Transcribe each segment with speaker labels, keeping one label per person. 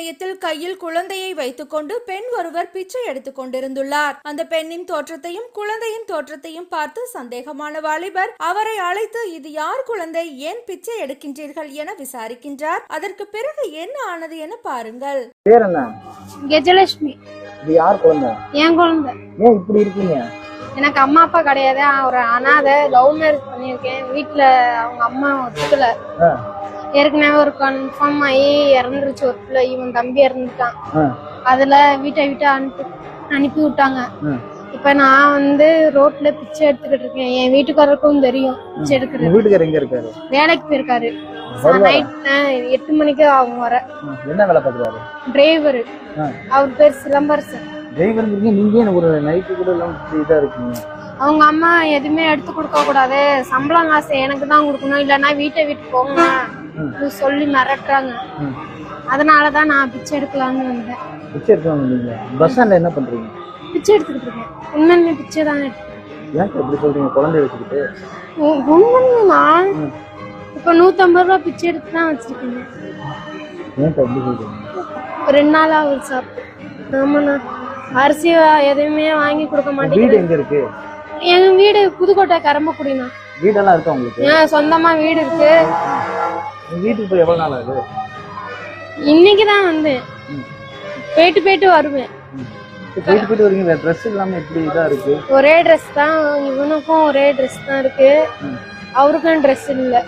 Speaker 1: சமயத்தில் கையில் குழந்தையை வைத்துக்கொண்டு பெண் ஒருவர் பிச்சை எடுத்துக் கொண்டிருந்துள்ளார். அந்த பெண்ணின் தோற்றத்தையும் குழந்தையின் தோற்றத்தையும் பார்த்து சந்தேகமான வாலிபர் அவரை அழைத்து, இது யார் குழந்தை, ஏன் பிச்சை எடுக்கின்றீர்கள் என விசாரிக்கின்றார். அதற்கு பிறகு என்ன ஆனது என பாருங்கள்.
Speaker 2: பேர் என்ன?
Speaker 3: கஜலட்சுமி.
Speaker 2: இது யார் குழந்தை?
Speaker 3: என் குழந்தை.
Speaker 2: ஏன் இப்படி இருக்கீங்க?
Speaker 3: எனக்கு அம்மா அப்பா கிடையாது, ஒரு அனாதை. லவ் மேரேஜ் பண்ணியிருக்கேன். வீட்டுல அவங்க அம்மா ஒத்துக்கல. ஏற்கனவே ஒரு கன்ஃபார்ம் ஆகி இறந்துருச்சு ஒரு பிள்ளை. இவன் தம்பி இறந்துட்டான். அதுல வீட்டை விட்டு அனுப்பி விட்டாங்க. இப்ப நான் ரோட்ல பிச்சை எடுத்துக்கிட்டு இருக்கேன். என் வீட்டுக்காரருக்கும் தெரியும் பிச்சை எடுக்கிறது.
Speaker 2: வீட்டுக்காரர் எங்க இருக்காரு?
Speaker 3: வேலைக்கு போயிருக்காரு. நைட் 8 மணிக்கு அவங்க வர.
Speaker 2: என்ன வேலை பாக்குறாரு?
Speaker 3: டிரைவர். அவர் பேர் சிலம்பரசன்.
Speaker 2: டிரைவர் நீங்க ஒரு நைட்டு கூட இதா இருக்கீங்க.
Speaker 3: அவங்க அம்மா எதுவுமே எடுத்து கொடுக்க கூடாது, சம்பளம் காசு எனக்கு தான் கொடுக்கணும், இல்லைன்னா வீட்டை விட்டு போங்க சொல்லி மிரட்டுறாங்க. அதனாலதான் நான் பிச்சை எடுக்கலாம்னு வந்தேன்.
Speaker 2: பிச்சை எடுக்கலாம்னு பஸ் ஸ்டாண்ட்ல என்ன பண்றீங்க?
Speaker 3: பிச்சை எடுத்துக்கிட்டு இருக்கேன். உண்மையுமே பிச்சை தான் எடுத்துக்கிறேன்.
Speaker 2: ஏன் எப்படி சொல்றீங்க? குழந்தை வச்சுக்கிட்டு
Speaker 3: உண்மையா இப்ப 150 ரூபா பிச்சை எடுத்து தான் வச்சிருக்கீங்க.
Speaker 2: ஏன் எப்படி சொல்றீங்க?
Speaker 3: 2 நாளா அவர் சாப்பிட்டு. ஆமாண்ணா, அரிசி எதுவுமே வாங்கி கொடுக்க மாட்டேன்.
Speaker 2: வீடு எங்க இருக்கு?
Speaker 3: எங்க வீடு புதுக்கோட்டை கரம்பக்குடிண்ணா.
Speaker 2: வீடெல்லாம் இருக்கா உங்களுக்கு?
Speaker 3: சொந்தமா வீடு இருக்கு.
Speaker 2: வீட்டுக்கு போய் எவ்வளவு நாள் ஆகுது?
Speaker 3: இன்னைக்குதான் வந்தேன். போயிட்டு வருவேன்.
Speaker 2: போயிட்டு வரீங்க. ட்ரெஸ் இல்லாம எப்படி இதா இருக்கு?
Speaker 3: ஒரே ட்ரெஸ் தான். இவனுக்கும் ஒரே ட்ரெஸ் தான் இருக்கு, அவருக்கும் ட்ரெஸ் இல்ல.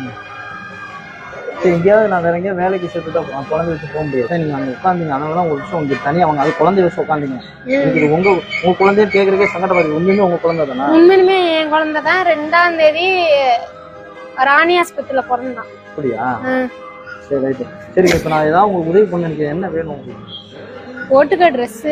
Speaker 2: எங்கேயாவது நான் வேற எங்கேயாவது வேலைக்கு சேர்த்துட்டா குழந்தை வச்சு போக முடியாது. நீங்க அங்க உட்காந்தீங்க, அதனாலதான் ஒரு விஷயம் உங்களுக்கு தனியா அவங்க அது குழந்தை வச்சு உட்காந்தீங்க. உங்க குழந்தைன்னு கேக்குறதுக்கே சங்கடப்படுது. உண்மையுமே உங்க குழந்தை தானா?
Speaker 3: உண்மையுமே என் குழந்தை தான். 2ஆம் தேதி ராணி ஆஸ்பத்திரியில பிறந்தான்.
Speaker 2: அப்படியா? சரி ரைட்டு. சரி, இப்ப நான் ஏதாவது உங்களுக்கு உதவி பண்ண எனக்கு என்ன வேணும் உங்களுக்கு?
Speaker 3: போட்டுக்க ட்ரெஸ்,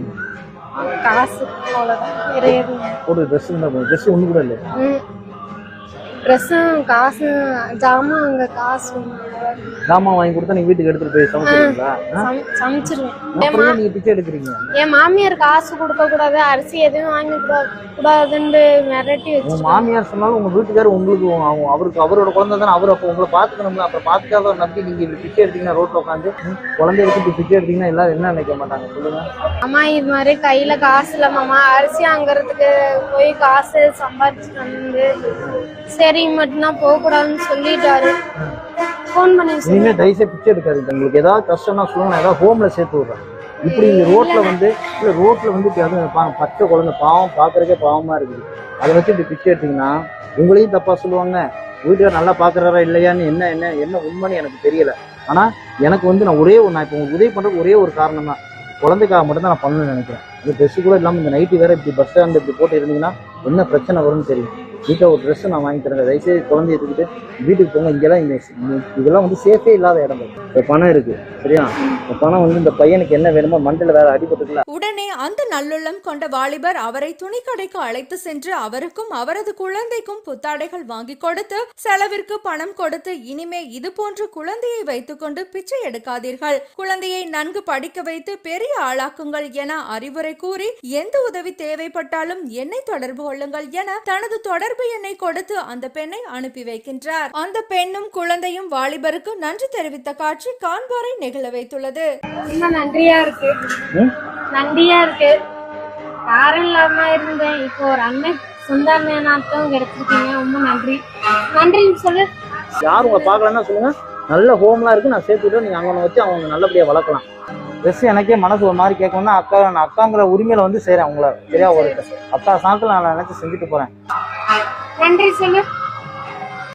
Speaker 3: காசு, அவ்வளவுதான். வேற எதுவும்
Speaker 2: போட்டு ட்ரெஸ் இருந்தா ட்ரெஸ் ஒண்ணு கூட இல்லை.
Speaker 3: ட்ரெஸ்ஸும் காசும் ஜாமான், அங்க காசு
Speaker 2: ஜாமான் வாங்கி கொடுத்தா நீங்க வீட்டுக்கு எடுத்துட்டு போய் சமைச்சிருவீங்களா?
Speaker 3: சமைச்சிருவேன்.
Speaker 2: நீங்க பிச்சை எடுக்கிறீங்க.
Speaker 3: என் மாமியார் காசு கொடுக்க கூடாது, அரிசி எதுவும் வாங்கி கூடாதுன்னு மிரட்டி வச்சு.
Speaker 2: உங்க மாமியார் சொன்னாலும் உங்க வீட்டுக்காரர் உங்களுக்கு அவருக்கு அவரோட குழந்தை தானே, அவரு அப்ப உங்களை பாத்துக்கணும்ல. அப்புறம் பாத்துக்காத நம்பி நீங்க இப்படி பிச்சை எடுத்தீங்கன்னா, ரோட்ல உட்காந்து குழந்தைய வச்சு பிச்சை எடுத்தீங்கன்னா எல்லாரும் என்ன நினைக்க மாட்டாங்க சொல்லுங்க?
Speaker 3: அம்மா இது மாதிரி கையில காசு இல்ல மாமா, அரிசி வாங்குறதுக்கு போய் காசு சம்பாதிச்சுட்டு வந்து சரி மட்டும்தான் போக கூடாதுன்னு சொல்லிட்டாரு. போன் பண்ணி
Speaker 2: இனிமே தயவுசெய்து பிச்சை எடுக்காதீங்க. உங்களுக்கு ஏதாவது கஷ்டம்னா சொல்லுங்க, நான் ஏதாவது ஹோம்ல சேர்த்து விடுறேன். இப்படி ரோட்ல பச்சை குழந்தை பாவம், பாக்குறதுக்கே பாவமா இருக்குது. அதை வச்சு இப்படி பிச்சை எடுத்தீங்கன்னா உங்களையும் தப்பா சொல்லுவாங்க. வீட்டுல நல்லா பாக்குறாரா இல்லையான்னு என்ன உண்மைன்னு எனக்கு தெரியல. ஆனா எனக்கு நான் இப்போ உங்களுக்கு உதவி பண்றதுக்கு ஒரே ஒரு காரணம் தான், குழந்தைக்காக மட்டும் தான் நான் பண்ணணும்னு நினைக்கிறேன். இந்த ட்ரெஸ் கூட இல்லாம இந்த நைட்டு வேற இப்படி பஸ் ஸ்டாண்ட் இப்படி போட்டு இருந்தீங்கன்னா என்ன பிரச்சனை வரும்னு தெரியும். வீட்டில் ஒரு ட்ரெஸ் நான் வாங்கி தரேன். தயவுசெய்து குழந்தைய எடுத்துக்கிட்டு வீட்டுக்கு போங்க. இங்கெல்லாம் இதெல்லாம் சேஃபே இல்லாத இடம். இப்போ பணம் இருக்கு, சரியா? இந்த பணம் இந்த பையனுக்கு என்ன வேணுமோ, மண்டல வேற அடிபட்டுல.
Speaker 1: உடனே அந்த நல்லுள்ளம் கொண்ட வாலிபர் அவரை துணிக்கடைக்கு அழைத்து சென்று அவருக்கும் அவரது குழந்தைக்கும் புத்தாடைகள் வாங்கி கொடுத்து செலவிற்கு பணம் கொடுத்து, இனிமே இது போன்ற குழந்தையை வைத்துக்கொண்டு பிச்சை எடுக்காதீர்கள், குழந்தையை நன்கு படிக்க வைத்து பெரிய ஆளாக்குங்கள் என அறிவுரை கூறி, எந்த உதவி தேவைப்பட்டாலும் என்னை தொடர்பு கொள்ளுங்கள் என தனது தொடர்பு எண்ணை கொடுத்து அந்த பெண்ணை அனுப்பி வைக்கின்றார். அந்த பெண்ணும் குழந்தையும் வாலிபருக்கு நன்றி தெரிவித்த காட்சி காண்போரை நெகிழ வைத்துள்ளது.
Speaker 3: நன்றியா இருக்கு. யாரும் இல்லாம இருந்தேன், இப்போ ஒரு அண்ணன் சொந்த அண்ணனாட்டம் கிடைச்சிருக்கீங்க. ரொம்ப நன்றி சொல்லு.
Speaker 2: யாரும் உங்களை பார்க்கலன்னா சொல்லுங்க, நல்ல ஹோம்லாம் இருக்கு, நான் சேர்த்துட்டு நீங்க அங்க வச்சு அவங்க நல்லபடியா வளர்க்கலாம். ட்ரெஸ் எனக்கே மனசு ஒரு மாதிரி கேட்கணும்னா நான் அக்காங்கிற உரிமையில செய்யறேன். உங்களை சரியா ஒரு அக்கா சாக்கில் நான் நினைச்சு செஞ்சுட்டு போறேன்.
Speaker 3: நன்றி சொல்லு.